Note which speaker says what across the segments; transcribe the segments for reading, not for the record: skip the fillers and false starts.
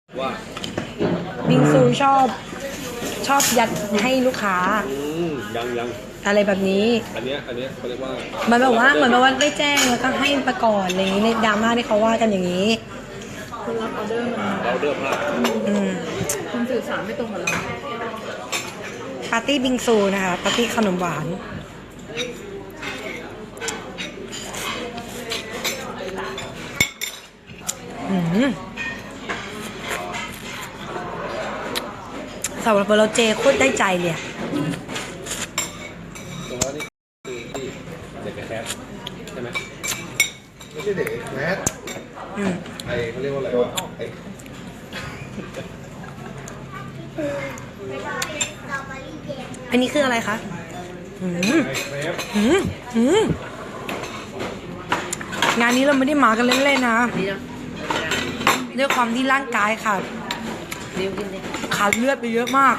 Speaker 1: ว่า
Speaker 2: บิงซูชอบยัดให้ลูกค้า
Speaker 1: ยัง
Speaker 2: อะไรแบบนี้
Speaker 1: อันเนี้ยเขาเรียกว่า
Speaker 2: เหมือนแบบว่าได้แจ้งแล้วก็ให้ประก่อนอะไรอย่างนี้ในดราม่าที่เขาว่ากันอย่างนี้
Speaker 3: คนรับออเดอร์มัน
Speaker 1: เราเดิมมาก
Speaker 3: คุณสื่อสารไม่ตรงกับเรา
Speaker 2: ปาร์ตี้บิงซูนะคะปาร์ตี้ขนมหวานสำหรับเราเจโคตรได้ใจเลย
Speaker 1: ตรงนั้นนี่คือที่เด็กแคสใช่ไหม
Speaker 4: ไม่ใช่เด็กแมสไอเขาเรียกว่าอะไรวะ
Speaker 2: อันนี้คืออะไรคะงานนี้เราไม่ได้มากันเล่นๆนะด้วยความที่ร่างกายขาดเลือดไปเยอะมาก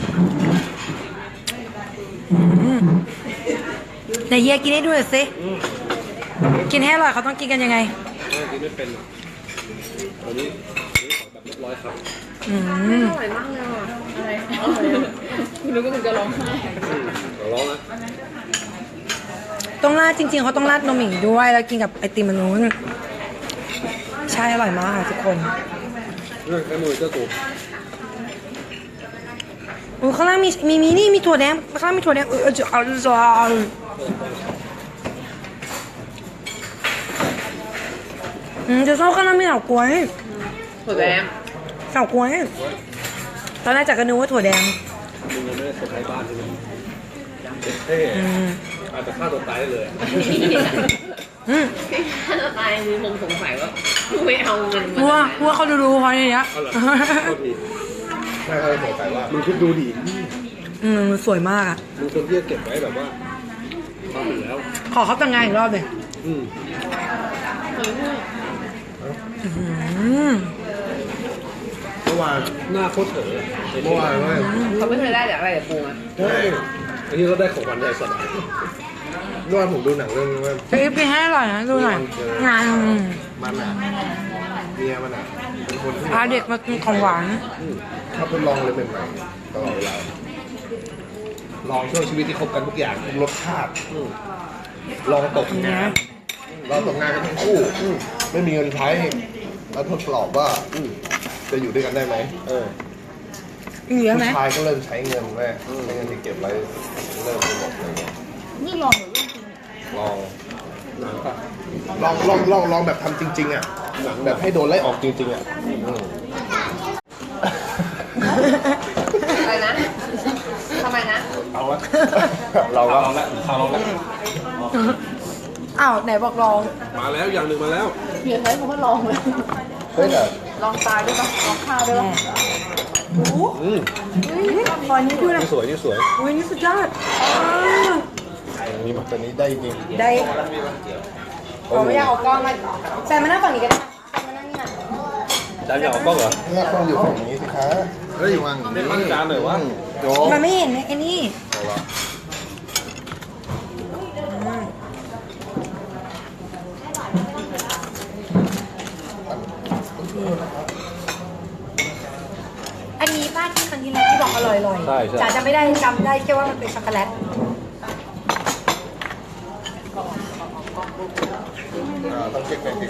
Speaker 2: ไหนเฮียกินให้ดูหน่อยสิกินให้อร่อยเขาต้องกินกันยังไง
Speaker 1: กินไม่เป็นวันนี้ขอแบบเรียบร้อยครับ
Speaker 3: อร่อยมากเลยอ่ะอะไรคุณนึกว่าคุณจะร้องไห้
Speaker 1: ร้องนะ
Speaker 2: ต้องราดจริงๆเขาต้องราดนมหมิ่งด้วยแล้วกินกับไอติมมันนู้นใช่อร่อยมากค่ะทุกคน
Speaker 1: เรื่องแค่มือเจ้ากู
Speaker 2: โอ้ข้างล่างมีนี่มีถั่วแดงข้างล่างมีถั่วแดงจะเอาจะชอบข้างล่างมีเฉาก๊วย
Speaker 3: ถั่วแดง
Speaker 2: เฉาก๊วยตอนแรกจากกระนูว่าถั่วแดง
Speaker 1: มึงยังไม่ได้เซอร์ไพรส์บ้านใช่ไหมเท่อาจจะฆ่าตัวตายได้เลย
Speaker 3: ฆ่าตัวตายมีคงสงสัยว่าไม่เอาเงิน
Speaker 2: ว่าเขาดูเขาอย่างเงี้ย
Speaker 4: ใช่เขาสงสัยว่ามึงคิดดูดิ
Speaker 2: สวยมากอ่ะ
Speaker 1: มึงคนที่จะเก็บไว้แบบว่าทำอยู่แล้ว
Speaker 2: ขอเขาแต่งงานอีกรอบเลย
Speaker 4: เมื่อวาน
Speaker 1: หน้าโคตรเถอะ
Speaker 4: เมื่อวานว่า
Speaker 3: เขาไม่เคยได้จากอะไรจากปูอ่ะ
Speaker 4: ใช่
Speaker 1: อันนี้เราได้ของวันใหญ่สัตว์
Speaker 4: เมื่อวานผมดูหนังเรื่องนี้ว่า
Speaker 2: จะกินให้อร่อยนะดูหน่อยงาน
Speaker 4: มันอ่ะเมียมันอ่ะเป็นคนที่
Speaker 2: พาเด็กมากินของหวาน
Speaker 4: เขาเป็นลองเลยเป็นใหม่ตลอดเวลาลองช่วงชีวิตที่คบกันทุกอย่างทุกรสชาติลองตกงานเราตกงานกันทั้งคู่ไม่มีเงินใช้แล้วทดสอบว่าจะอยู่ด้วยกันได้ไหม
Speaker 2: เหลือไหม
Speaker 4: ผู้ชายก็เริ่มใช้เงินแม่ใช้เงินที่เก็บไว้เริ่มไปหมดเลย
Speaker 3: นี่ลองหรือ
Speaker 4: ลองลองแบบทำจริงๆอ่ะแบบให้โดนไล่ออกจริงๆอ่ะ
Speaker 3: อะไรนะทำไมนะ
Speaker 4: เอาละเราลองแล้ว
Speaker 2: อ้าวไหนบอกลอง
Speaker 1: มาแล้วอย่างหนึ่งมาแล้ว
Speaker 3: เพียงใช้คำว่าลองเลย
Speaker 4: เฮ้ยแต่
Speaker 3: ลองตายด้วยปะลองฆ่าด้วยปะ
Speaker 2: ขอนี้ด้วยนะ
Speaker 1: นี่สวย
Speaker 2: อุ้ยนี่สุดยอด
Speaker 4: นี่แบบตัวนี้ได้จริง
Speaker 2: ได้ผมไม่อยากเอากล้องมาแซมมานั่งฝั่งนี้ก็ได้มานั่งนี่นะ
Speaker 1: จานอยากเอากล้องเหรอ
Speaker 4: เนี่ยต้องอยู่ฝั่งนี้สิคะ
Speaker 1: เฮ้ยวางได้ตั้งจานหน่อยวะ
Speaker 2: มันไม่เห็นไอ้นี่อันนี้ป้าที่ครั้งที่แล้วที่บอกอร่อยๆจ๋าจะไม่ได้จำได้แค่ว่ามันเป็นช็อกโกแลต
Speaker 4: ต้องเก็บไป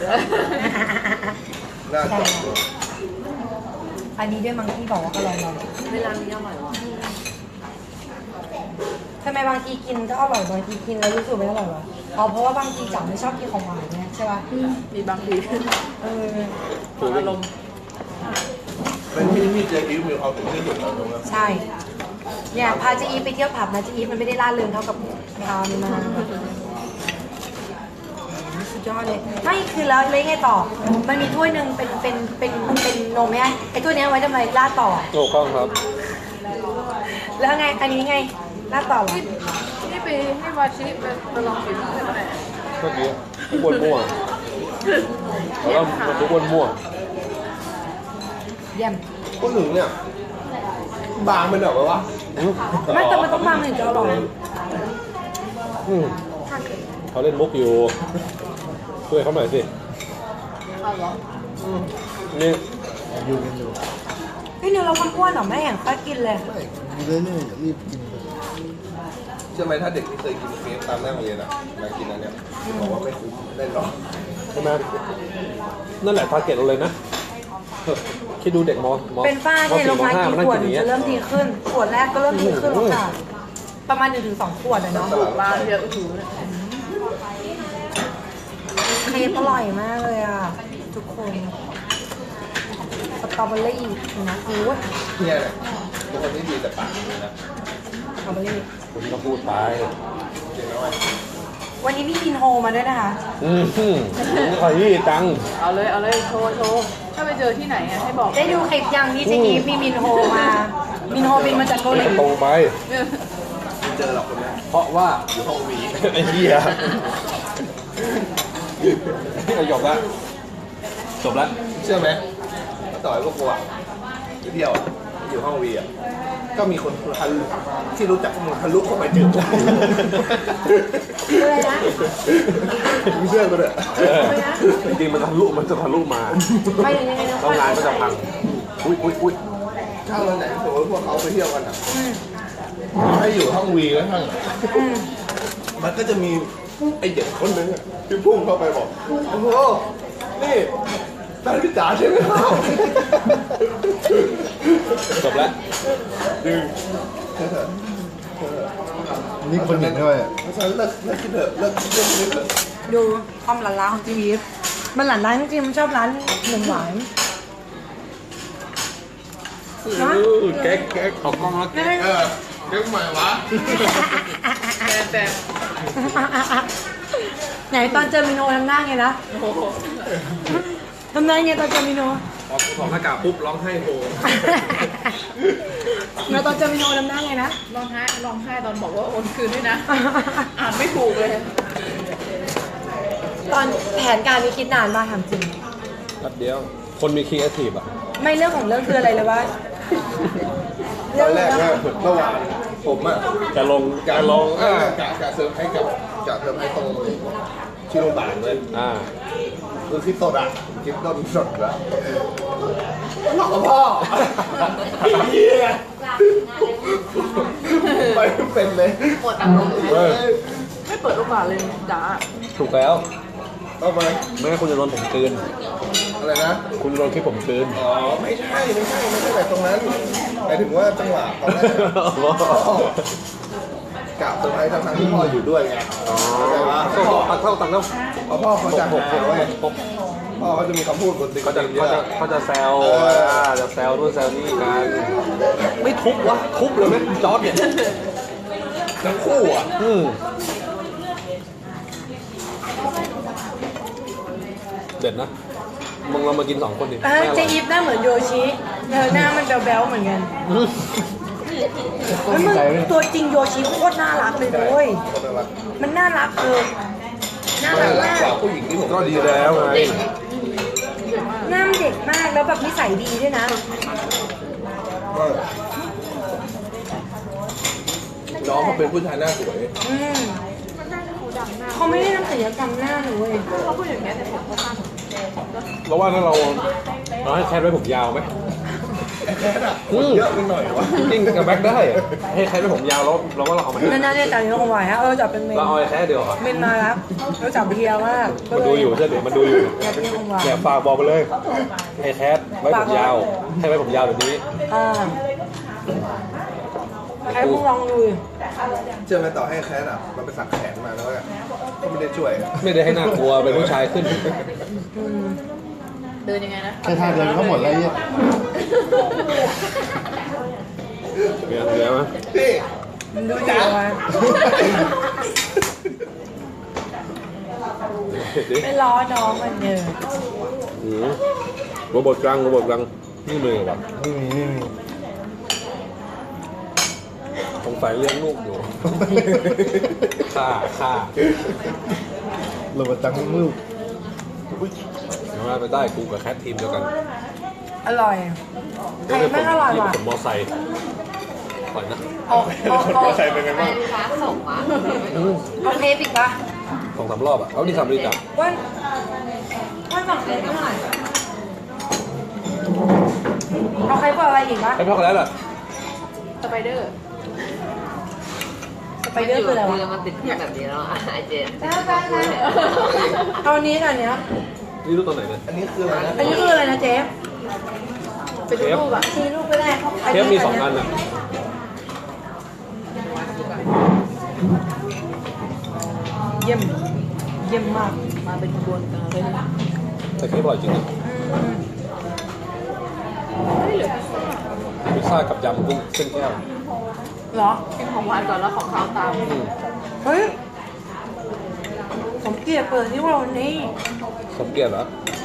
Speaker 4: น่าจะ
Speaker 2: อันนี้ด้วยมังที่บอกว่าอร่อย
Speaker 3: เวลานี้อร่อยหรอ
Speaker 2: ทำไมบางทีกินก็อร่อยบางทีกินแล้วรู้สึกไม่อร่อยวะเพราะว่าบางทีจ๋าไม่ชอบกินของหวานเนี่ยใช่ป่ะ
Speaker 3: มีบางที
Speaker 4: อารมณ์เป็นที่เจอีฟมีความถึงที่สุดแล้วตรงนั้น
Speaker 2: ใช่เนี่ยพาเจอีฟไปเที่ยวผับนะเจอีฟมันไม่ได้ล่าเริงเท่ากับพามันมาสุดยอดเลยไม่คือแล้วเลยไงต่อมันมีถ้วยหนึ่งเป็นนมไหมไอ้ถ้วยนี้ไว้ทำไมล่าต่อ
Speaker 1: ถูกต้องครับ
Speaker 2: แล้วไงอันนี้ไงล่าต่อหรอ
Speaker 3: นี่ไปให้วาชิไปลองกินได้ไหม
Speaker 1: เมื่อกี้ทุกคนมั่วแล้วทุกคนมั่ว
Speaker 2: เยี่ยม
Speaker 4: ก็ถึงเนี่ยบางมันแบบว่า
Speaker 2: ไม่แต่มันต้องบางถึงจะอร่อย
Speaker 1: เขาเล่นมุกอยู่ช่วยเขาหน่อยสิ
Speaker 3: เอาเหรอ
Speaker 1: นี่
Speaker 5: อยู่กันอยู่
Speaker 2: พี่นิวเราคนอ้วนเหรอไม่เห็นค่อยกินเลย
Speaker 5: ไม่เรื่อยๆอย่ารีบกินไป
Speaker 4: เชื่อไหมถ้าเด็กที่เคยกินเคฟตามหน้าโรงเรียนอ่ะมากินอันเนี้ยบอกว่าไม่คุ้มได้หรอก
Speaker 1: ใช่ไหมนั่นแหละทาร์เก็ตเราเลยนะคิดดูเด็กม
Speaker 2: เป็นฝ้าที่ลงมากี่ขวดจะเริ่มดีขึ้น ขวดแรกก็เริ่มดีขึ้นแล้วค่ะ ประมาณ1-2 ขวดอะเนาะ
Speaker 3: บ้านเยอะถูเลย
Speaker 2: เคปอร่อยมากเลยอ่ะ ทุกคนสตรอเบอรี่นะโอ้ย
Speaker 4: เนี่ยแหละเป็นคนที่ดีแต่ปากเลยนะ
Speaker 2: สตรอเบอรี่
Speaker 1: คุณก็พูดไป
Speaker 4: เก่งน้อย
Speaker 2: วันนี้พี่กินโฮมาด้วยนะคะ
Speaker 1: ขอยี่ตังค์
Speaker 3: เอาเลยโชว์ถ้าไปเจอที่ไหนอะให้บอก
Speaker 2: ได้ดูคลิปยังที่เจอีฟมีมินโฮมา มินโฮบินมาจากเกาหลี
Speaker 1: ตรงไป
Speaker 4: ไม่เจอหรอกคนนี้
Speaker 1: เพราะว่า
Speaker 4: อยู่ห้องวี
Speaker 1: ไอ้เหี้ยจบละจบละ
Speaker 4: เชื่อไหมต่อให้พวกกูอ่ะไปเที่ยวอะอยู่ห้องวีอ่ะก็มีคนทะลุที่รู้จักพวกมึงทะลุเข้าไปเจอพวกกู
Speaker 2: อะไรนะ
Speaker 4: มึงเชื่อกูเถอะ
Speaker 1: จริงๆมันจะทะลุมา
Speaker 2: ไปยังไงนะ
Speaker 1: แล้วงานก็จะพังอุ้ย
Speaker 4: ถ้าวันไหนสมมติพวกเขาไปเที่ยวกันอ่ะให้อยู่ห้องวีก็ทั้งอะมันก็จะมีไอเด็กคนนึงอะที่พุ่งเข้าไปบอกโอ้โหนี่แฟนพี่จ๋าใช่ไหมครับ
Speaker 1: จบละ
Speaker 4: ดึง
Speaker 5: นี่คนหนึ่งด้วย
Speaker 4: เพราะฉะนั้นเลิกคิดเถอะเลิกคิดเรื่องนี้เถอะ
Speaker 2: ดูความหลานร้านของเจอีฟมันหลานร้านจริงๆมันชอบร้านขนมหวานนะ
Speaker 1: แก๊กออกกล้องแล้วแก๊ก
Speaker 4: เรื่องใหม่วะ
Speaker 3: แต่
Speaker 2: ไหนตอนเจอมิโนทำหน้าไงนะทำหน้าไงตอนเจอมิโน
Speaker 1: ออกถอดหน้ากากปุ๊บร้องไห้โฮ
Speaker 2: แล้วตอนเจอมิโนทำหน้าไงนะ
Speaker 3: ร้องไห้ตอนบอกว่าโอนคืนด้วยนะ อ่านไม่ถูกเลย
Speaker 2: ตอนแผนการนี้คิดนานมากถามจริง
Speaker 1: แป๊บเดียว คนมีครีเอทีฟอ่ะ
Speaker 2: ไม่เรื่องของเรื่องคืออะไรเลยว่า
Speaker 4: ตอนแรกว่าเมื่อวานผมอ่ะ
Speaker 1: จะลง
Speaker 4: กะเซอร์ไพรส์กับกะเซอร์ไพรส์ตรงที่โรงพยาบาลเลย คือคลิปสดอ่ะคลิปต้นสดแล้วหลอกพ่อเฮียไปไม่เป็นเลย
Speaker 3: หมดอารมณ์
Speaker 1: เออ
Speaker 3: ไม่เปิดโอกาสเลยจ๋า
Speaker 1: ถูกแล้ว
Speaker 4: เอาไป
Speaker 1: ไม่งั้นคุณจะโดนผมกลืน
Speaker 4: อะไรนะ
Speaker 1: คุณโดนคลิปผมกลืน
Speaker 4: อ๋อไม่ใช่แบบตรงนั้นหมายถึงว่าจังหวะตอนแรกกะเซอร์ไพรส์ทั้งที่พ่ออยู่ด้วยไง
Speaker 1: อ๋อ
Speaker 4: แต่ว่า
Speaker 1: ตักเท่าตักเท่า
Speaker 4: พอพ่อเขาจะหกเว้ยพ่อเขาจะมีคำพูดบนติ๊ก
Speaker 1: เขาจะแซวจะแซวนู่นแซวนี่กันไม่ทุบวะทุบเลยไหมจอร์ดเนี่ย
Speaker 4: ทั้งคู่อ่ะ
Speaker 1: เด็ดนะมึงเรามากิน2 คนดิ
Speaker 2: เจอีฟหน้าเหมือนโยชิหน้ามันแบ๊วๆเหมือนกันเฮ้ยมึงตัวจริงโยชิโคตรน่ารักเลยด้วยมันน่ารักน่ารัก
Speaker 4: รัก
Speaker 2: มาก
Speaker 4: กว่าผู้หญิงที่ผม
Speaker 1: ก็ดีแล้วไง
Speaker 2: หน้ามันเด็กมากแล้วแบบนิสัยดีด้วยนะ
Speaker 4: น้องเขาเป็นผู้ชายหน้าสวย
Speaker 2: เขาไม่ได้ทำศัลยกรรมหน้าหนูเว้ย
Speaker 3: เขาพูดอย่างนี้แต่ผมก็ข้าม
Speaker 1: เราว่าถ้าเราให้แคทไว้ผมยาวไหม
Speaker 4: แค่น่ะคนเยอะไปหน่อยวะ
Speaker 1: จริงกับแบ็คได้อะให้แคทไว้ผมยาวแล้วเราว่าเราเอามา
Speaker 2: น่าจะจับนิ้วของไหวฮะจับเป็นเมน
Speaker 1: เราเอาไอ้แคทเดียวเหรอ
Speaker 2: เมนมาแล้วแล้วจับเพียมาก
Speaker 1: มันดูอยู่ใช่ไหมมันดูอยู่
Speaker 2: จับนิ้วของไหว
Speaker 1: เนี่ยฝากบอกไปเลยให้แคทไว้ผมยาวให้ไว้ผมยาวแบบนี้
Speaker 2: ใครมึงลองดู
Speaker 4: เชื่อไหมต่อให้แคสอ่ะมันไปสักแขนมาแล้วก็ไม่ได้ช่วย
Speaker 1: ไม่ได้ให้น่ากลัวเป็นผู้ชายขึ้น
Speaker 3: เดินยังไงนะ
Speaker 5: แค่ท่าเดินก็หมดแล้วเนี่ย
Speaker 1: เหลือไหม
Speaker 4: พี่
Speaker 2: มันดูดีว่ะไม่ล้อน้องมันเยอะ
Speaker 1: โรบอทกลางนี่มือวะ
Speaker 5: ไม่มี
Speaker 1: สงสัยเลี้ยงลูกอยู่ฆ่า
Speaker 5: โรบอทจังลูก
Speaker 1: เดี๋ยวมาไปได้กูกับแคททีมเดียวกัน
Speaker 2: อร่อยใครไม่อร่อยว่ะ
Speaker 1: ผมมอไซค์ปล่อยนะ
Speaker 4: ใส่เป็นไงบ้าง
Speaker 2: เอาเทปอีกปะ
Speaker 1: 2-3 รอบอ่ะเอานี่ทำดีจ้ะ
Speaker 2: วันฝั่งเทปเท่าไหร่เอาใครบอกอะไรอีกวะ
Speaker 1: ไอ้พ่อกันแล้วเหรอ
Speaker 3: สไปเดอร์
Speaker 2: สไปเดอร์คืออะไรวะ
Speaker 3: มันติดเพื่อนแบบนี้แล้วอ่ะไอเจน
Speaker 2: เอาอันนี้ก่อนเนี้ย
Speaker 1: นี่รู้ตัวไหนเนี่ย
Speaker 4: อันนี้คืออะไรนะ
Speaker 2: อันนี้คืออะไรนะเจ๊
Speaker 3: เป็นรูปอ่ะ
Speaker 2: ชี้รูปไปได้
Speaker 1: เทปมี2 อันอ่ะ
Speaker 2: เยี่ยมเยี่ยมมาก
Speaker 3: มาเป็นขบวนการเลยนะ
Speaker 1: แต่เค้กอร่อยจริงนะพิซซ่ากับยำกุ้งเส้นแก้ว
Speaker 2: เหรอ
Speaker 3: กินของหวานก่อนแล้วของข้าวตาม
Speaker 2: เฮ้ยสมเกียรติเปิดที่ว่าวันนี้
Speaker 1: สมเกียรติเหรอ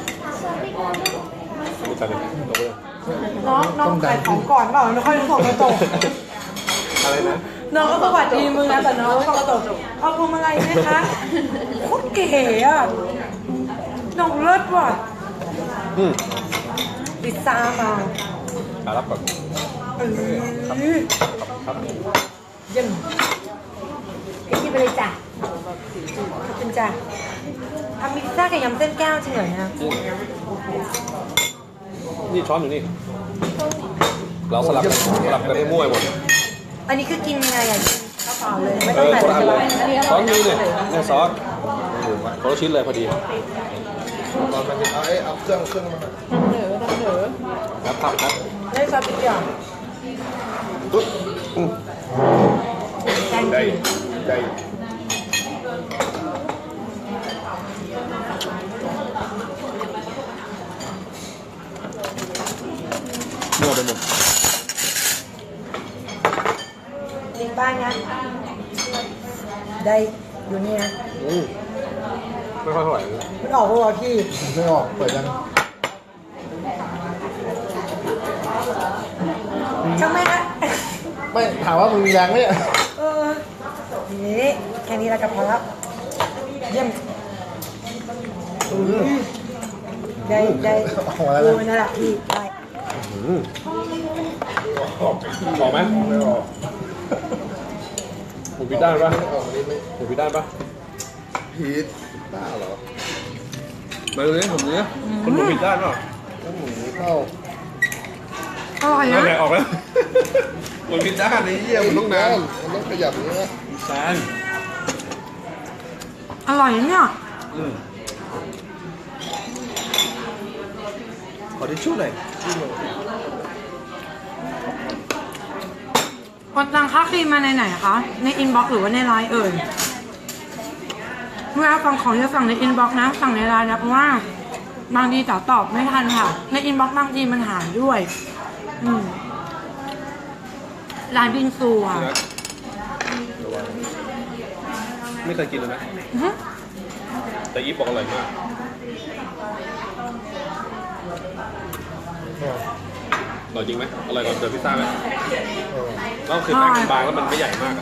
Speaker 1: มีตังค์ไหมลงไปเลย
Speaker 2: น้องขายของก่อนเปล่าไม่ค่อยรู้ส่งกระจก
Speaker 1: อะไรนะ
Speaker 2: น้องก็สวัสดีมึงนะแต่น้องส่งกระจกเอาพวงมาลัยไหมคะโคตรเก๋อะน้องเลิศว่ะ
Speaker 1: อืม
Speaker 2: พิซซ่ามา
Speaker 1: รับก่อน
Speaker 2: เออ
Speaker 1: ครับ
Speaker 2: เยี่ยมให้กินไปเลยจ้ะขอบคุณจ้ะทำพิซซ่ากับยำเส้นแก้วจริงเหรอเนี่ย
Speaker 1: นี่ช้อนอยู่นี่ เราสลับกันให้มั่วหมด
Speaker 2: อันนี้คือกินยังไงอ่ะกินข้าวเปล่าเลยไม่
Speaker 1: เอ
Speaker 2: ต้อง
Speaker 1: อ
Speaker 2: ใส่
Speaker 1: คนละ
Speaker 2: อะ
Speaker 1: อัน
Speaker 2: ไร
Speaker 1: เลยซอสนี้เนี่ยเนี่ยซอสคนละชิ้นเลยพอดี
Speaker 4: ตอนมันเอาเอาเครื่องมา
Speaker 1: ครับครับ
Speaker 2: ได้ซอสทุกอย่าง
Speaker 4: ตุ๊ด
Speaker 2: แกง
Speaker 4: ได้
Speaker 2: จืด
Speaker 4: ได้
Speaker 1: มั่วไปหมด
Speaker 2: ลิงบ้านนะได้อยู่นี่นะ
Speaker 1: ไม่ค่อยเท่าไหร่
Speaker 2: มันออกมาพี่
Speaker 5: ไม่ออกเปิดยัง
Speaker 2: ช่างแม่งนะ
Speaker 5: ไม่ถามว่ามึงมีแรงไหมเนี่ย
Speaker 2: เออนี่แค่นี้แล้วก็พอแล้วเยี่ยมได้
Speaker 5: ออกมาแล้ว
Speaker 2: ดู
Speaker 5: นะ
Speaker 2: นั่นแหละพี่ได้
Speaker 1: ออกไหม
Speaker 4: ไม่ออก
Speaker 1: หมูพิด้านปะ
Speaker 4: ไม่ออกนี่ไม่
Speaker 1: หมูพิด้านปะ
Speaker 4: พีชบ้าเหรอ
Speaker 1: มาดูนี่ผมเนี้ยคนหมูพิด้านปะ
Speaker 4: แล้วหมูเข้า
Speaker 2: อร่อย
Speaker 1: นั่
Speaker 2: นะ
Speaker 1: นแหละออกแล้วหมูพิด้านนี่เยี่ยมมันต้องนาน
Speaker 4: มันต้องขยับอย่างนี้นะ
Speaker 1: แซน
Speaker 2: อร่อยนะเนี่ย
Speaker 1: ขอทิชชู่หน่อย
Speaker 2: กดตังค่าครีมมาในไหนคะ ในอินบ็อกซ์หรือว่าในไลน์เอ่ยเวลาสั่งของจะสั่งในอินบ็อกซ์นะ สั่งในไลน์นะเพราะว่าบางทีจ๋าตอบไม่ทันค่ะ ในอินบ็อกซ์บางทีมันหายด้วยร้านบิงซูอ่ะ
Speaker 1: ไม่เคยกินเลยนะ
Speaker 2: อื้อหือ
Speaker 1: แต่อีฟบอกอร่อยมากอร่อยจริงไหมอร่อยกว่าเจอพิซซ่าไหมแล้วคือแป้งมันบางแล้วมันไม่ใหญ่มากอะ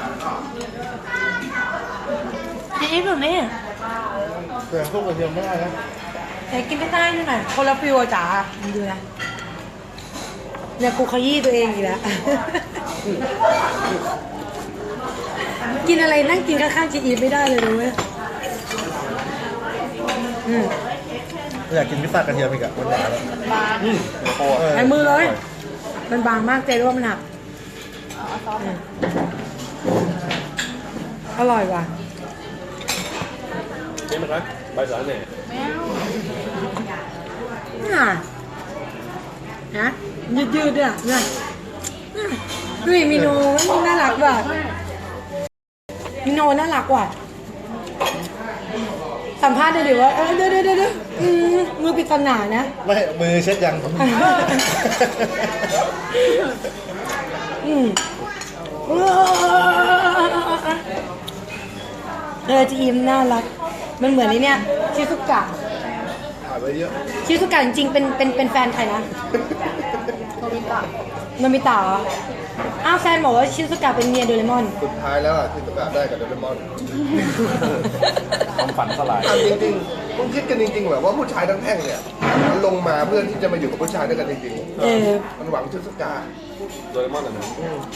Speaker 2: จีอีฟอยู่นี่
Speaker 5: แต่พวกกระเทียมไม่ได้นะ
Speaker 2: แต่กินไม่ได้นี่หน่อยคนละฟิวอะจ๋ามึงดูนะเนี่ยกูขยี้ตัวเองอีกแล้ว กินอะไรนั่งกินข้างๆจีอีฟไม่ได้เลยรู้ไหม
Speaker 5: อยากกินพิซซ่ากระเทียมอีกอะมันหนาแล้ว
Speaker 2: ใช้มือเลย มันบางมากเจ๊รู้ว่ามันหักอร่อยว่ะ
Speaker 1: นี่มันนะใบสาแหน่
Speaker 2: น่ะนะยืดๆเนี่ยเนี่ยดูดิมิโนน่ารักว่ะมิโนน่ารักว่ะสัมภาษณ์ได้ดิว่าเดี๋ยวมือปริศนานะ
Speaker 5: ไม่มือเช็ดยัง
Speaker 2: จีอิมน่ารัก มันเหมือนไอ้เนี่ยชิซุกะ
Speaker 4: ถ่ายไปเยอะ
Speaker 2: ชิซุกะจริงๆเป็นแฟนใครนะ
Speaker 3: โนบิตะ
Speaker 2: โนมิตะเหรออ้าวแฟนบอกว่าชิซุกะเป็นเมียโดเรมอน
Speaker 4: สุดท้ายแล้วอะที่ประกาศได้กับโดเรมอน
Speaker 1: ความฝันสลาย
Speaker 4: ถามจริงๆคุณคิดกันจริงๆเหรอว่าผู้ชายทั้งแท่งเนี่ยมันลงมาเพื่อที่จะมาอยู่กับผู้ชายด้วยกันจริง
Speaker 2: เออ
Speaker 4: ๆมันหวังชุดสกา
Speaker 1: โดเรมอนอ่ะนะ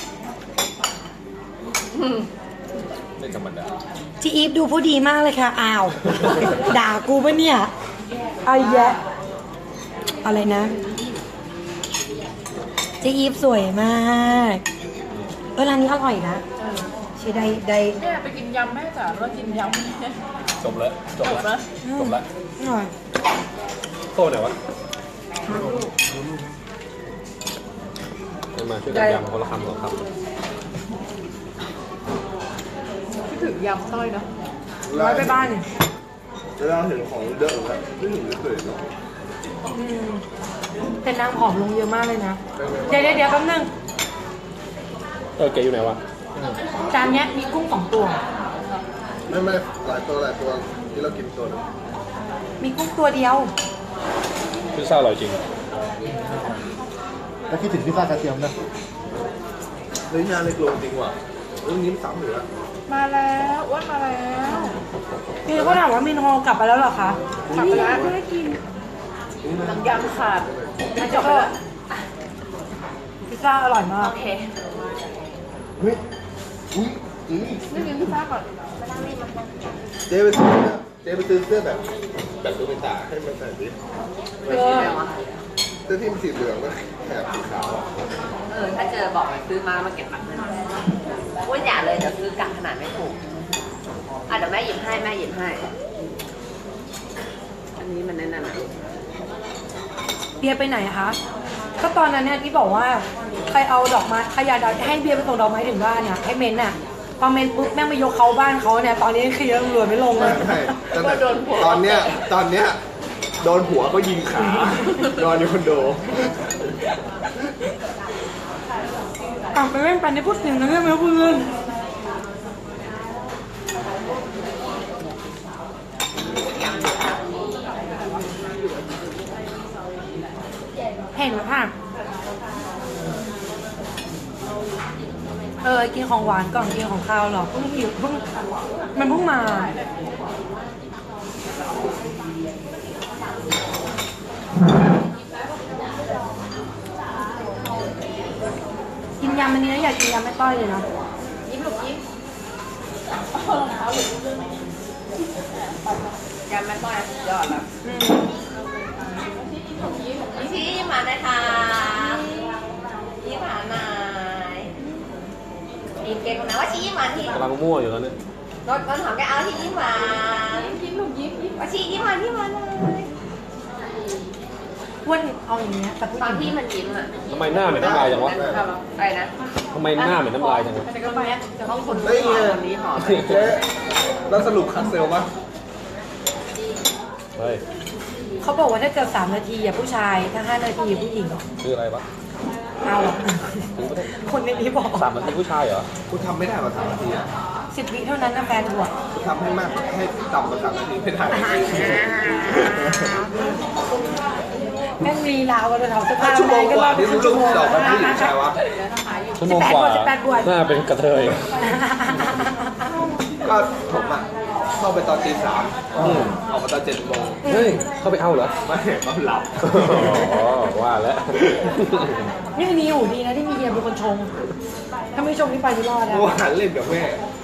Speaker 1: ไม่ธรรมดา
Speaker 2: จีอีฟดูผู้ดีมากเลยค่ะ อ้าว ด่ากูปะเนี่ยไอ้แยะอะไรนะเจ๊อีฟสวยมากร้านนี้อร่อยนะใช่ได้
Speaker 3: แม่ไปกินยำแม่จ๋าเรากินยำ
Speaker 1: จบแล้วจบ
Speaker 3: จบ
Speaker 1: แล้ว
Speaker 3: แล้ว
Speaker 1: จบแล้ว
Speaker 2: อร่อย
Speaker 1: โซ่ไหนวะมาช่วยกันยำคนละคำสองคำ
Speaker 3: คิดถึงยำต้อยเนาะ
Speaker 2: ร้อยไปบ้าน
Speaker 4: เวลาเห็นของเยอะแล้วไม่ถึงไม่เคยเนาะ
Speaker 2: แต่นางผอมลงเยอะมากเลยนะเดี๋ยวแป๊บนึง
Speaker 1: แกอยู่ไหนวะ
Speaker 2: จานเนี้ยมีกุ้ง2 ตัว
Speaker 4: ไม่หลายตัวที่เรากินตัวนึง
Speaker 2: มีกุ้งตัวเดียว
Speaker 1: พิซซ่าอร่อยจริง
Speaker 5: แล้วคิดถึงพิซซ่ากระเทียมนะ
Speaker 4: เฮ้ยงานเล็กลงจริงว่ะเรื่องนี้มันซ้ำอยู่แล้ว
Speaker 3: มาแล้วอ้วนมาแล้ว
Speaker 2: พี่เขาถามว่ามินโฮกลับไปแล้วเหรอคะ
Speaker 3: กลับไปแล้วไม่ได้กินน้ำยำขาดมาจบแล้ว
Speaker 2: พิซซ่าอร่อยมาก
Speaker 3: โอเค
Speaker 4: เฮ้ยอุ้ย
Speaker 3: นี่กินพิซซ่าก่อน
Speaker 4: เจ๊ไปซื้อเสื้อแบบตัวเป็นตาให้มันใส่ดิ
Speaker 3: ไปกินอะไรวะ
Speaker 4: เสื้อที่มันสีเหลืองแล้วแถบสีขาวอ่ะ
Speaker 6: ถ้าเจอบอกไปซื้อมาเก็บตังค์อ้วนอย่าเลยเดี๋ยวซื้อกะขนาดไม่ถูกเดี๋ยวแม่หยิบให้อันนี้มันแน่นๆนะ
Speaker 2: เบียร์ไปไหนอะคะ ก็ตอนนั้นเนี่ยที่บอกว่าใครเอาดอกไม้ใครอยากให้เบียร์ไปส่งดอกไม้ถึงบ้านเนี่ยให้เมนน่ะพอเมนปุ๊บแม่งไปยกเขาบ้านเขาเนี่ยตอนนี้เคลียร์ตำรวจไม่ลงเลย
Speaker 4: ใช่ตอนเนี้ยโดนหัวก็ยิงขานอนอยู่คอนโด
Speaker 2: ไปเล่นไปในพูดถึงนะเรื่องไม่พูดเรื่องเห็นไหมค่ะกินของหวานก่อนกินของข้าวหรอเพิ่งหิวมันเพิ่งมากินยำอันนี้นะอยากกินยำไม่ต้อยเลยนะ
Speaker 3: ยิ้มลูกยิ้ม
Speaker 6: ยำแม่ต้อยสุดยอดแล้วชี้มาได้ค่ะชี้มาหน่อยอีกเก่งนะว่าชี้มาที่
Speaker 1: กำลังมั่วอยู่แล้วเนี่ย
Speaker 6: รถหอมแกเอาที่ยิ้มหวาน
Speaker 3: ยิ้มลูกยิ้ม
Speaker 6: ว่าชี้ยิ้มหวานเลย
Speaker 2: อ้วนเอาอย่างเงี้ยแต่พูด
Speaker 6: ตอน
Speaker 2: ถึ
Speaker 6: ที่
Speaker 2: ง
Speaker 6: มันยิ้มอ่ะ
Speaker 1: ทำไมหน้าเหม็นน้ำลายจังวะ
Speaker 6: อะไรนะ
Speaker 1: ทำไมหน้าเหม็นน้ำลายจังวะ
Speaker 3: แต่ก็ไป
Speaker 6: ห้องคน
Speaker 4: เฮ้ย
Speaker 6: คนนี้หอม
Speaker 4: เจ๊แล้วสรุปคัดเซลปะ
Speaker 1: เฮ้ย
Speaker 2: เขาบอกว่าถ้าเกิด3 นาทีอย่าผู้ชายถ้า5 นาทีอย่าผู้หญิง
Speaker 1: คืออะไรวะ
Speaker 2: เอาอะ
Speaker 1: ถึงไม่ได้
Speaker 2: คนในนี้บอก
Speaker 1: 3 นาทีผู้ชายเหรอ
Speaker 4: คุณทำไม่ได้กว่า3 นาทีอ่ะ
Speaker 2: 10 วิเท่านั้นนะแฟนบวก
Speaker 4: คุณทำให้มากให้ต่ำกว่า3 นาทีไม่ได้
Speaker 2: แม่งลีลาวกันเลยเถาเสื้อผ้า
Speaker 4: ชั่วโมงกว่าที่
Speaker 2: ครึ่
Speaker 4: ลู
Speaker 2: ง
Speaker 4: ก
Speaker 2: ชั่วโมง
Speaker 4: ดอกมันผู้หญิงชายวะ
Speaker 1: ชั่วโมงกว่า
Speaker 2: 18 บวช
Speaker 1: หน้าเป็นกระเทย
Speaker 4: ก็ผมอ่ะเข้าไปตอนตี 3ออกมาตอน7 โมง
Speaker 1: เฮ้ย เข้าไปเอาเหรอ
Speaker 4: ไม่เขาหลับ
Speaker 1: อ๋อ ว่าแล้ว
Speaker 2: นี่มีอยู่ดีนะที่มีเฮียเป็นคนชง ถ้าไม่ชงนี่ไปไม่รอดนะ
Speaker 4: เมื่อวานเล่นกับแม่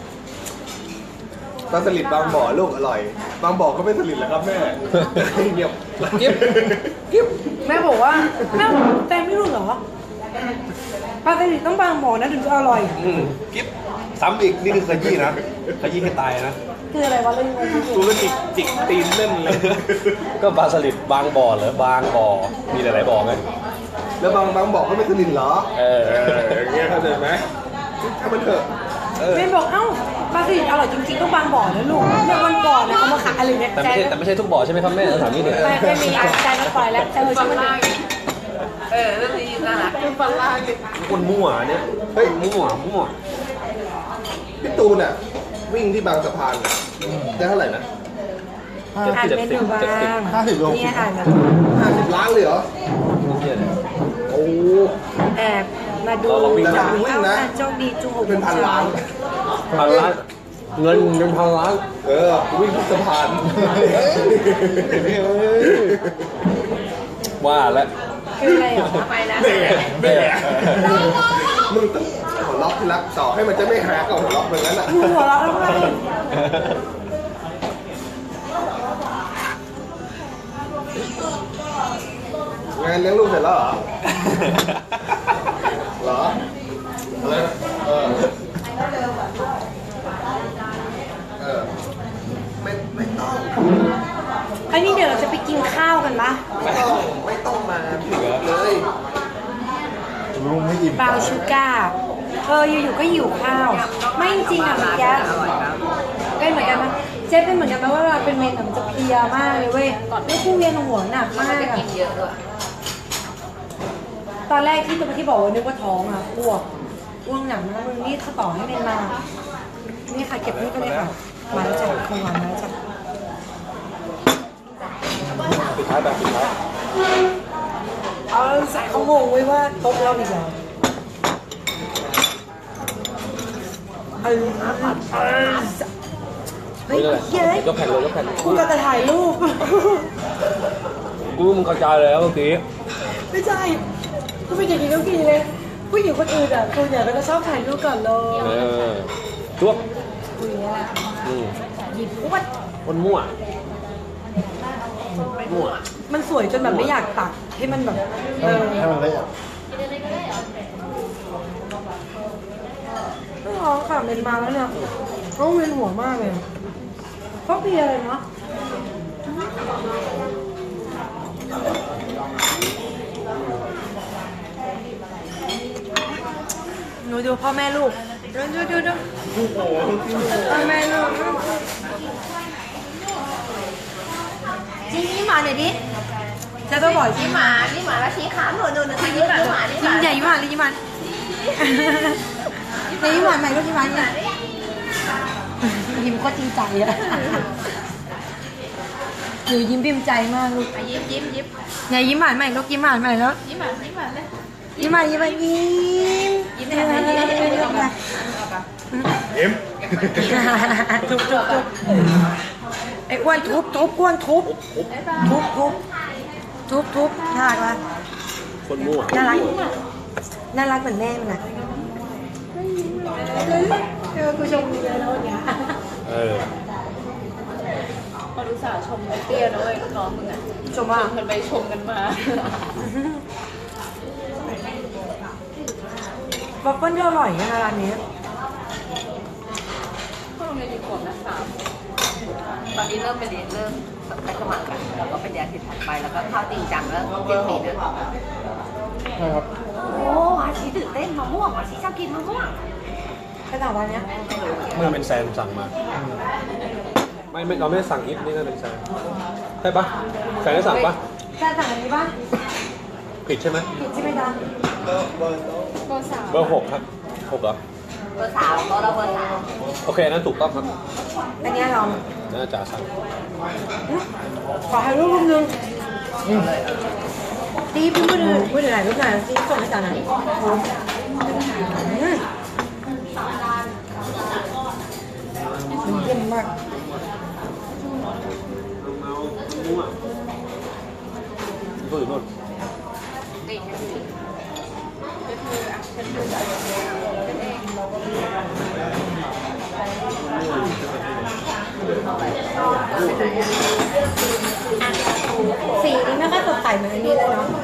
Speaker 4: ปลาสลิดบางบ่อลูกอร่อย บางบ่อก็ไม่สลิดแล้วครับแม่เงียบ
Speaker 1: กิ๊บ
Speaker 4: กิ๊บ
Speaker 2: แม่บอกว่าแม่แต่ไม่รู้เหรอปลาสลิดต้องบางหมอนะถึงจะอร่อย
Speaker 1: กิ๊บซ้ำอีก นี่คือขยี้นะ ขยี้ให้ตายนะ
Speaker 2: คืออะไรวะเรื่องนี้
Speaker 4: กูก็จิกตีนเล่นเลย
Speaker 1: ก็ปลาสลิดบางบ่อเหรอบางบ่อ มีหลายๆบ่อไง
Speaker 4: แล้วบางบ่อก็ไม่สลิดเหรอ
Speaker 1: เออ
Speaker 4: อย่างเงี้ยเข้าใจไหมถ้ามันเถอะ
Speaker 2: แม่บอกเอ้าปลาสลิดอร่อยจริงๆต้องบางบ่อนะลูกเนี่ยวันก่อนนะเขามาขายอะไรเนี่ย
Speaker 1: แต่ไม่ใช่ทุกบ่อใช่ไหมครับแม่ถามนี่เนี่ย
Speaker 2: ไม่มีใจมันปล่อยแล้วใจมัน
Speaker 3: ฟั
Speaker 2: ช่าง มัน
Speaker 3: ล่าง
Speaker 6: เรื่องนี้น่ารัก
Speaker 3: คือฟังล่างดิ
Speaker 1: คนมั่วเนี่ย เฮ้ย มั่ว
Speaker 4: พี่ตูนอ่ะ วิ่งที่บางสะพานน่ะได้เท่าไหร่นะ
Speaker 2: อ่านเมนูบ้าง
Speaker 5: 50 โล
Speaker 2: เนี่ยอ่านมา
Speaker 4: 50 ล้านเลยเหรอ
Speaker 1: เนี่ยเนี่ย
Speaker 4: โอ้
Speaker 2: แอบมาดู
Speaker 1: เราวิ่ง
Speaker 2: จาก
Speaker 4: วิ่งนะ
Speaker 2: โชคดีจุงหก
Speaker 4: เป็นพันล้าน
Speaker 1: พันล้าน เงินเป็นพันล้าน
Speaker 4: เออวิ่งทุกสะพาน
Speaker 1: ว่าแล้ว
Speaker 2: คืออะไรอ่ะ
Speaker 6: ทำไมนะ
Speaker 1: แม่
Speaker 4: มึงต้องหัวล็อกที่รักต่อให้มันจะไม่หากับหัวล็อกเหมือนนั้นอ่ะ
Speaker 2: มึงหัวเราะทำไม
Speaker 4: งานเลี้ยงลูกเสร็จแล้วเหรอ
Speaker 5: ไม่อิ่ม
Speaker 2: บราวน์ชูการ์อยู่ๆก็หิวข้าว ไม่จริงอ่ะเมื่อกี้
Speaker 6: อร่อยครับ
Speaker 2: เป็นเหมือนกันไหมเจ๊เป็นเหมือนกันไหมว่าเวลาเป็นเมนอะมันจะเพลียมากเลยเว้ยไม่คู่เวียนหัวหนักมาก
Speaker 6: จะ
Speaker 2: อะ
Speaker 6: กินเยอะด้วย
Speaker 2: ตอนแรกที่บอกว่านึกว่าท้องอ่ะอ้วกหนักมากมึงนี่เขาต่อให้เมนมา นี่ค่ะเก็บนี่ก็เลยค่ะมาแล้วจ้ะคงหวานมาแล้วจ้ะ
Speaker 1: ปิดท้ายแบบปิดท้าย
Speaker 2: เอาใส่เขางงไว้ว่าโต๊ะเราอีกแล้วเฮ้ยเฮ้ย
Speaker 1: ยกแผ่นเลยยกแผ่น
Speaker 2: กูจะถ่ายรูป
Speaker 1: กูมึงกระจายเลยแล้วเมื่อกี้
Speaker 2: ไม่ใช่กูเป็นอย่างนี้ทุกทีเลยผู้หญิงคนอื่นอ่ะกูเนี่ยก็จะชอบถ่ายรูปก่อนเลย
Speaker 1: จุ๊บ
Speaker 2: กูอย่างเงี้ย
Speaker 6: หยิบอ้วน
Speaker 1: คนมั่วมั่ว
Speaker 2: มันสวยจนแบบไม่อยากตักให้มันแบบ
Speaker 5: ให้มันละเอียด
Speaker 2: ไม่ร้องค่ะเมนมาแล้วเนี่ยต้องเวียนหัวมากเลยเพราะเพลียเลยเนาะหนูดูพ่อแม่ลูกดูพ่อแม่ลูกจิ้มยิ้มหวานหน่อยดิจะต้องบอกจิ้ม
Speaker 6: นี่หมาแล้วชี้ขาหนูยิ้มหมานี่ห
Speaker 2: ยิ้
Speaker 6: มาม
Speaker 2: ใหญ่ยิ้มหวานเลยยิ้มหวานในยิ้มหวานใหม่ก็ยิ้มหวานเนี่ยยิ้มก็จริงใจอะหนูยิ้มพิมพ์ใจมากลูก
Speaker 6: ยิ้ม
Speaker 2: เนี่ยยิ้มหวานใหม่ลูกยิ้มหวานใหม่แล้ว
Speaker 6: ยิ้มเลย
Speaker 2: ยิ้มหวานยิ้มทุบไอ้อ้วนทุบอ้วนทุบน่ารักละ
Speaker 1: คนมั่ว
Speaker 2: น่ารักเหมือนแม่มันอ่ะกูชมดีเลยนะวันนี้
Speaker 3: พอรู้สาวชมเตี้ยนะเว้ยน้องมึงอ่ะ
Speaker 2: ชมว่า
Speaker 3: มันไปชมกันมา
Speaker 2: วัฟเฟิลที่อร่อยนะร้านนี้
Speaker 3: พวกโรงเรียนกี่ขวบนะ3
Speaker 6: ตอนนี้เริ่มไปเรียนเริ่มไปสมัครกันแล้วก็ไปเรียนทิศถัดไปแล้วก็เข้าจริงจังแล้วเจ็ดปีนะ
Speaker 5: ใช่ครับ
Speaker 6: โอ้อาชีตื่นเต้นมะม่วงอาชีชอบกินมะม่วง
Speaker 2: ขนาดร้านเนี้ย
Speaker 1: เมื่อเป็นแซมสั่งมา ไม่เราไม่ได้สั่งอิฟนี่น่าเป็นแซมใช่ปะแซมได้สั่งปะ
Speaker 2: แค่สั่งอันนี้ป่ะ
Speaker 1: ผิดใช่ไหม
Speaker 2: ผิดใช่ไหมจ๊ะ
Speaker 3: ก็3
Speaker 1: เบอร์6ครับ6เหรอ
Speaker 6: เบอร์ 3เราเบอร์
Speaker 1: โอเคนั่นถูกต้องครับ
Speaker 2: อันนี้ลอง
Speaker 1: น่าจะสั่ง
Speaker 2: ขอให้รูปนึงตีพี่พูดถึงไหนรูปไหนตีส่งให้จ๋าหน่อยเยี่ยมมาก
Speaker 1: มั่วตัวอยู่โน่น
Speaker 2: สีนี้ไม่ค่อยสดใสเหมือนอันนี้เลยเนาะ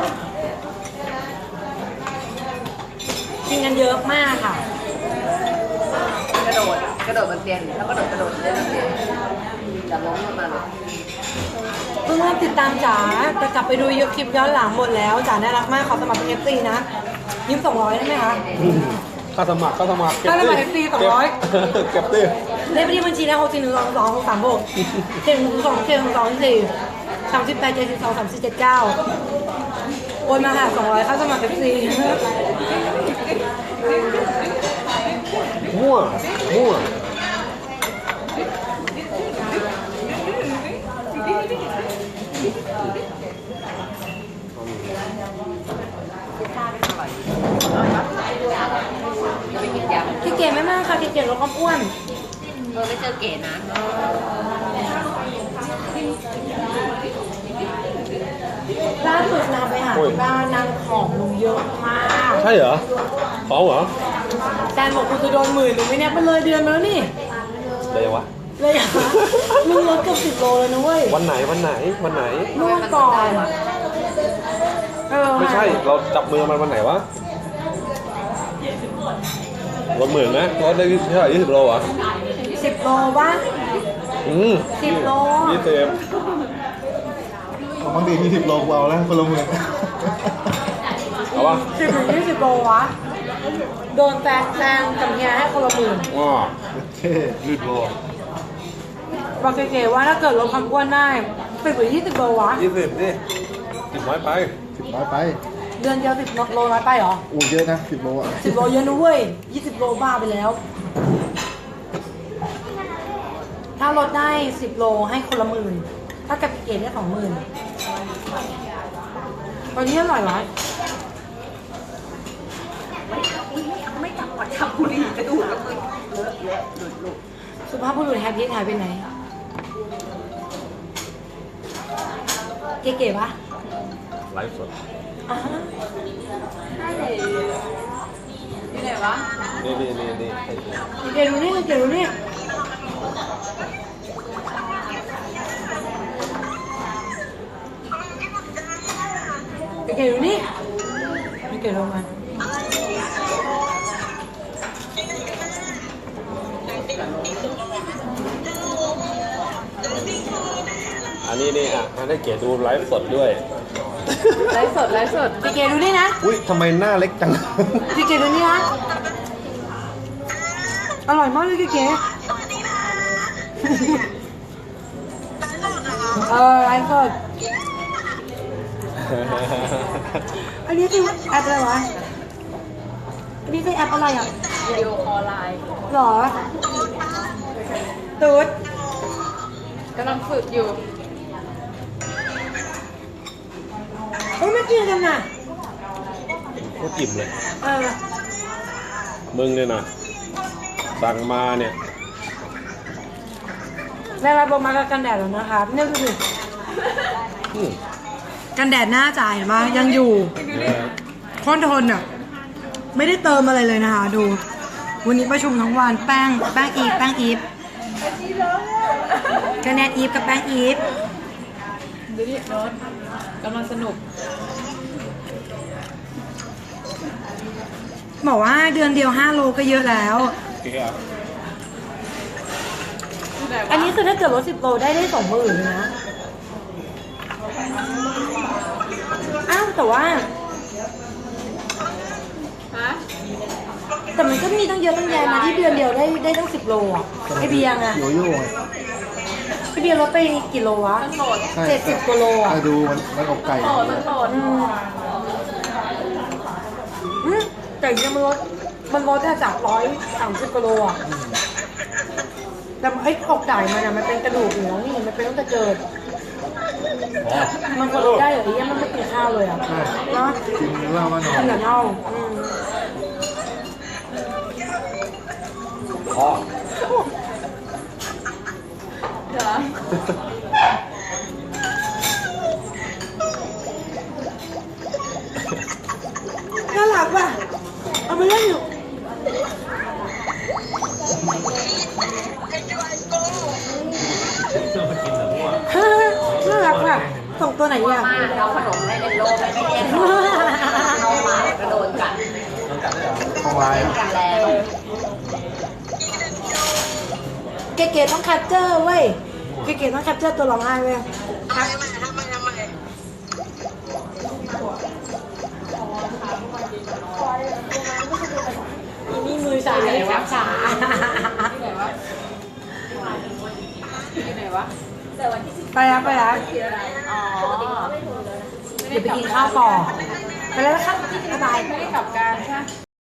Speaker 2: กินกันเยอะมากค่ะ
Speaker 6: กระโดดบนเตียงแล้วก็กระโดดเล่นบนเตียงจะล้มลงมาเลย
Speaker 2: เพิ่งเริ่มติดตามจ๋าแต่กลับไปดูคลิปย้อนหลังหมดแล้วจ๋าน่ารักมากขอสมัครเป็น FC นะยิ้ม200ได้ไหมคะ
Speaker 1: ค่าสมัคร
Speaker 2: ค่าสมัคร FC 200
Speaker 1: เก็บดิ
Speaker 2: เลขบัญชีนะ6 4 1 2 2 6 3 6 7 2 7 2 4 38 72 34 79โอนมาค่ะ200ค่าสมัคร FC
Speaker 1: มั่ว
Speaker 6: จะไปกินยำ
Speaker 2: พี่เก๋ไม่มากค่ะพี่เก๋ลดความอ้วน
Speaker 6: ไม่เจอเก๋นะ
Speaker 2: ล่าสุดนางไปหาที่บ้านนางผอมลงเยอะมาก
Speaker 1: ใช่เหรอของเหรอ
Speaker 2: แฟนบอกกูจะโดน10,000หนูไม่แน่มันเลยเดือนมาแล้วนี่
Speaker 1: อะไรวะ
Speaker 2: เลยอ่ะมึงลดเกือบ10 โลเลยนะเว้ย
Speaker 1: วันไหน
Speaker 2: เมื่อก่อน
Speaker 1: ไม่ใช่เราจับมือมันวันไหนวะลด10,000ไหมลดได้เท่าไหร่20 โลอ่ะ
Speaker 2: 10 โลบ้าง 10 โล
Speaker 1: 20
Speaker 5: ของบางที20 โลกูเอาแล้วคนละหมื่น
Speaker 2: อ
Speaker 1: เอาปะ
Speaker 2: 10-20 โลวะ โดนแซงกับเฮียให้คนละหมื่น
Speaker 1: ว้า
Speaker 5: เท่
Speaker 1: ลืดโล
Speaker 2: บอกเก๋ๆว่าถ้าเกิดลดความอ้วนได้10-20 โลวะ
Speaker 1: 20ดิ10น้อยไป
Speaker 5: 10 น้อยไป
Speaker 2: เดือนเดียว10 โลน้อยไปเหรอ
Speaker 5: อู้เยอะนะ10 โลอ่ะ
Speaker 2: 10 โลเยอะนะเว้ย 20 โลบ้าไปแล้ว ถ้าลดได้ 10 โลให้คนละหมื่น ถ้ากับเก๋ได้20,000ตอนนี้อร่อยวะ
Speaker 6: ไม่จับหัวจับบุหรี่กระดูกแล้วมึงเลอะหลุดลูก
Speaker 2: สุภาพบุรุษแฮปปี้หายไปไหน เก๋ๆปะ
Speaker 1: ไลฟ์สด
Speaker 2: อ่าฮะ
Speaker 6: ที่ไหนวะ
Speaker 1: นี่
Speaker 2: เก๋ดูนี่เก๋ดูนี่เก๋ดูนี่เก๋ลงมา
Speaker 1: อันนี้นี่อ่ะให้เก๋ดูไลฟ์สดด้วย
Speaker 3: ไลฟ์สดไลฟ์สด
Speaker 2: เก๋ดูนี่นะ
Speaker 5: อุ้ยทำไมหน้าเล็กจัง
Speaker 2: เก๋ดูนี่นะ อร่อยมากเลยเก๋ไลฟ์สด อันนี้คือแอปอะไรวะ อันนี้คือแอปอะไรอ่ะ
Speaker 3: วิดีโอคอลไลน์
Speaker 2: หรอ ตูด
Speaker 3: กำลังฝึกอยู่
Speaker 2: เฮ้ยไม่กินกันน่ะ
Speaker 1: โคตรอิ่มเลย
Speaker 2: เออ
Speaker 1: มึงเนี่ยนะสั่งมาเนี่ย
Speaker 2: ได้รับโบมากับกันแดดแล้วนะคะนี่คือ
Speaker 1: อืม
Speaker 2: กันแดดหน้าจ่ายมายังอยู่ทนทนอ่ะ ไม่ได้เติมอะไรเลยนะคะ ดู วันนี้ประชุมทั้งวันแป้งอีฟกันแดดอีฟกับแป้งอีฟ
Speaker 3: ดูดิโน้ตกำลังสนุก
Speaker 2: บอกว่าเดือนเดียว5 โลก็เยอะแล้ว
Speaker 1: เก๋อ่ะ
Speaker 2: อันนี้คือถ้าเกิดลด10 โลได้20,000เลยนะ อ้าวแต่ว่า
Speaker 3: ฮะ
Speaker 2: แต่มันก็มีตั้งเยอะตั้งแยะนะที่เดือนเดียวได้ตั้ง10 โลอ่ะไอเบียร์ไง
Speaker 5: โยโย่ไง
Speaker 2: ไอเบียร์ลดไปกี่โลวะ
Speaker 3: มันโหลด
Speaker 5: ใช่
Speaker 2: 70 กว่าโลอ่ะ
Speaker 5: ดูมันอกไก่
Speaker 3: โหลดมันโหลด
Speaker 2: แต่ยังมันลดได้จาก130 กิโลอ่ะ แต่ไอ้อกไก่มันอ่ะมันเป็นกระดูกอยู่แล้วนี่มันเป็นตั้งแต่เกิด มันก็ลดได้เหรอเนี่ยมันไม่กินข้าวเลยอ่ะ
Speaker 5: ใช่
Speaker 2: เนาะ
Speaker 5: กินเหล้ามานอ
Speaker 2: กิ
Speaker 5: น
Speaker 2: นแต่เน่า
Speaker 1: พ่อ
Speaker 3: เดี๋ยว
Speaker 2: น่ารักว่ะเอาไปเล่นอยู่น่ารักว่ะส่งตัวไหนอ่ะ
Speaker 6: มาเอาขนมไม่เป็นโลไม่ได้เย็นเอามากระโดดกัด
Speaker 5: ของลายอ่ะ
Speaker 6: กันแล้ว
Speaker 2: เก๋ๆต้องแคปเจอร์เว้ย เก๋ๆต้องแคปเจอร์ตัวร้องไห้เว้ยครับนี่มือสายครับขา
Speaker 3: อยู่ไหนวะ
Speaker 2: ไปแล้วไปแล้ว
Speaker 3: อ๋อ
Speaker 2: เดี๋ยวไปกินข้าวต่อ ไปแล้วนะครับบ๊ายบาย
Speaker 3: ไม่ได้กลับการใช่ไหม